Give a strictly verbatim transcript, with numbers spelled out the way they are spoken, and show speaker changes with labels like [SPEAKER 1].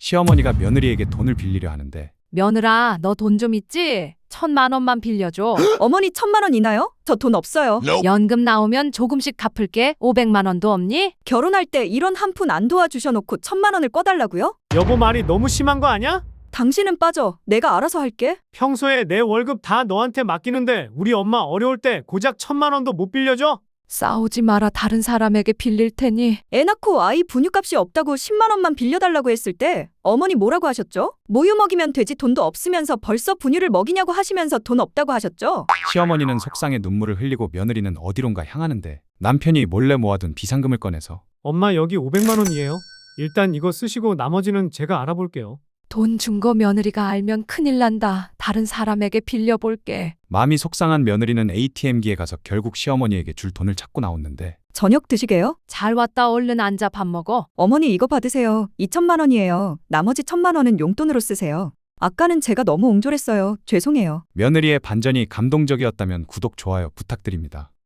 [SPEAKER 1] 시어머니가 며느리에게 돈을 빌리려 하는데
[SPEAKER 2] 며느라, 너 돈 좀 있지? 천만 원만 빌려줘.
[SPEAKER 3] 어머니 천만 원 있나요? 저 돈 없어요.
[SPEAKER 2] 연금 나오면 조금씩 갚을게. 오백만 원도 없니?
[SPEAKER 3] 결혼할 때 이런 한 푼 안 도와주셔놓고 천만 원을 꺼달라고요?
[SPEAKER 4] 여보 말이 너무 심한 거 아니야?
[SPEAKER 3] 당신은 빠져. 내가 알아서 할게.
[SPEAKER 4] 평소에 내 월급 다 너한테 맡기는데 우리 엄마 어려울 때 고작 천만 원도 못 빌려줘?
[SPEAKER 2] 싸우지 마라. 다른 사람에게 빌릴 테니.
[SPEAKER 3] 애 낳고 아이 분유값이 없다고 십만 원만 빌려달라고 했을 때 어머니 뭐라고 하셨죠? 모유 먹이면 되지 돈도 없으면서 벌써 분유를 먹이냐고 하시면서 돈 없다고 하셨죠?
[SPEAKER 1] 시어머니는 속상해 눈물을 흘리고 며느리는 어디론가 향하는데 남편이 몰래 모아둔 비상금을 꺼내서
[SPEAKER 4] 엄마 여기 오백만 원이에요. 일단 이거 쓰시고 나머지는 제가 알아볼게요.
[SPEAKER 2] 돈 준 거 며느리가 알면 큰일 난다. 다른 사람에게 빌려볼게.
[SPEAKER 1] 마음이 속상한 며느리는 에이티엠기에 가서 결국 시어머니에게 줄 돈을 찾고 나왔는데
[SPEAKER 3] 저녁 드시게요?
[SPEAKER 2] 잘 왔다. 얼른 앉아 밥 먹어.
[SPEAKER 3] 어머니 이거 받으세요. 이천만 원이에요. 나머지 천만 원은 용돈으로 쓰세요. 아까는 제가 너무 옹졸했어요. 죄송해요.
[SPEAKER 1] 며느리의 반전이 감동적이었다면 구독, 좋아요 부탁드립니다.